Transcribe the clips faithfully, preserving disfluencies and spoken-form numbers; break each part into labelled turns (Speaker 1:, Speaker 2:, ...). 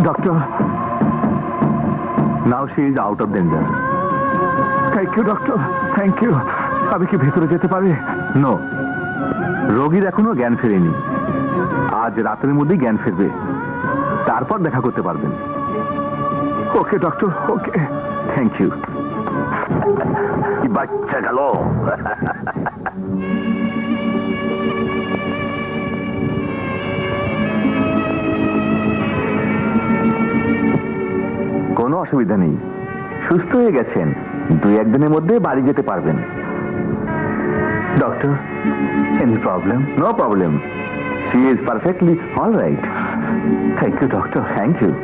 Speaker 1: Doctor,
Speaker 2: now she is out of danger.
Speaker 1: Thank you doctor, thank you. আমি কি ভেতরে যেতে পারি?
Speaker 2: নো, রোগীর এখনো জ্ঞান ফেরেনি। আজ রাতের মধ্যেই জ্ঞান ফিরবে, তারপর দেখা করতে পারবেন।
Speaker 1: Okay doctor, okay.
Speaker 2: Thank you.
Speaker 3: বাচ্চা গেল।
Speaker 2: কোনো অসুবিধা নেই, সুস্থ হয়ে গেছেন। দুই একদিনের মধ্যে বাড়ি যেতে পারবেন।
Speaker 1: Doctor, any problem?
Speaker 2: No problem, she is perfectly all right.
Speaker 1: Thank you doctor.
Speaker 2: Thank you.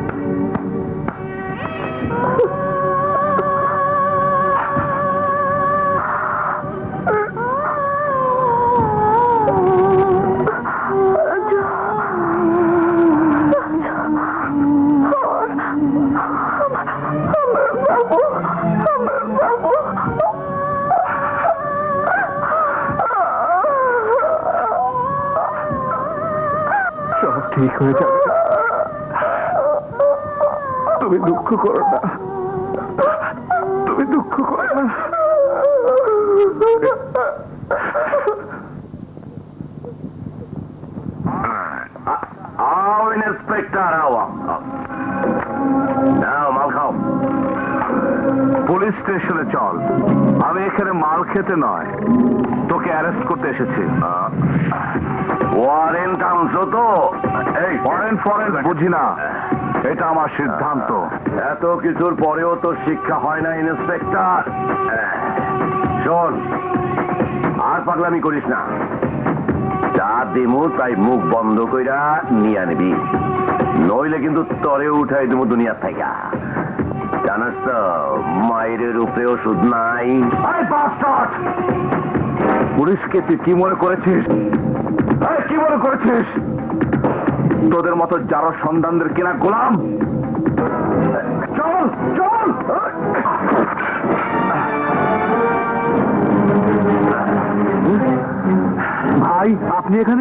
Speaker 1: সব ঠিক হয়ে যাবে, তুমি দুঃখ করো না, তুমি দুঃখ করো না।
Speaker 3: আও ইন্সপেক্টর, আও নাও মাল খাও।
Speaker 2: পুলিশ স্টেশনে চল। আমি এখানে মাল খেতে নয়, তোকে অ্যারেস্ট করতে এসেছি।
Speaker 3: ওয়ারেন্ট আনছো তো? এই
Speaker 2: ফরেন ফরেন বুঝি না, এটা আমার সিদ্ধান্ত।
Speaker 3: এত কিছুর পরেও তো শিক্ষা হয় না ইন্সপেক্টর। শোন, আর পাগলামি করিস না। যা দিমু তাই মুখ বন্ধ কইরা নিয়ে নিবি, নইলে কিন্তু তরে উঠাই দেবো দুনিয়ার থেকে। জানাস তো মায়ের উপরে ওষুধ নাই। আরে বাস্টার্ড!
Speaker 2: পুলিশকে তুই কি মনে করেছিস? এই, কি মনে করেছিস? তোদের মতো যারা সন্তানদের কেনা গোলাম। চল চল। ভাই, আপনি এখানে?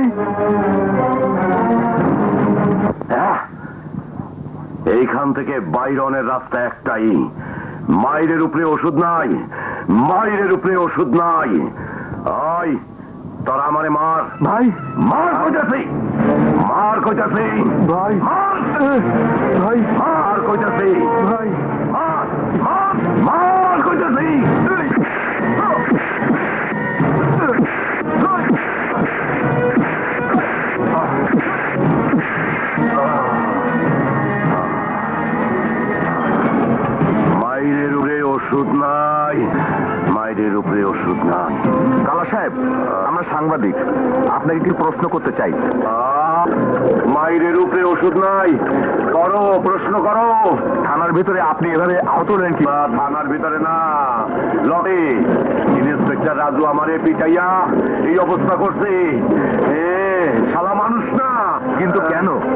Speaker 3: হ্যাঁ, এইখান থেকে বাইরনের রাস্তা একটাই। মায়ের উপরে ওষুধ নাই, মায়ের উপরে ওষুধ নাই। আয়, তোরা আমারে মার।
Speaker 1: ভাই,
Speaker 3: মার কইতাছি, মার কইতাছি,
Speaker 1: ভাই,
Speaker 3: মার,
Speaker 1: ভাই,
Speaker 3: মার কইতাছি,
Speaker 1: ভাই।
Speaker 3: মার, মার, মার কইতাছি। মায়ের উপরে ওষুধ নাই, মায়ের উপরে ওষুধ নাই।
Speaker 2: কালা সাহেব, আমরা সাংবাদিক, আপনাকে কি প্রশ্ন করতে চাই।
Speaker 3: মায়ের উপরে ওষুধ নাই, করো, প্রশ্ন করো।
Speaker 2: থানার ভিতরে আপনি এভাবে আহত হলেন কি?
Speaker 3: বা থানার ভিতরে না, লটে ইন্সপেক্টর রাজু আমারে পিটাইয়া এই অবস্থা করছে। এ শালা মানুষ না।
Speaker 2: কিন্তু কেন?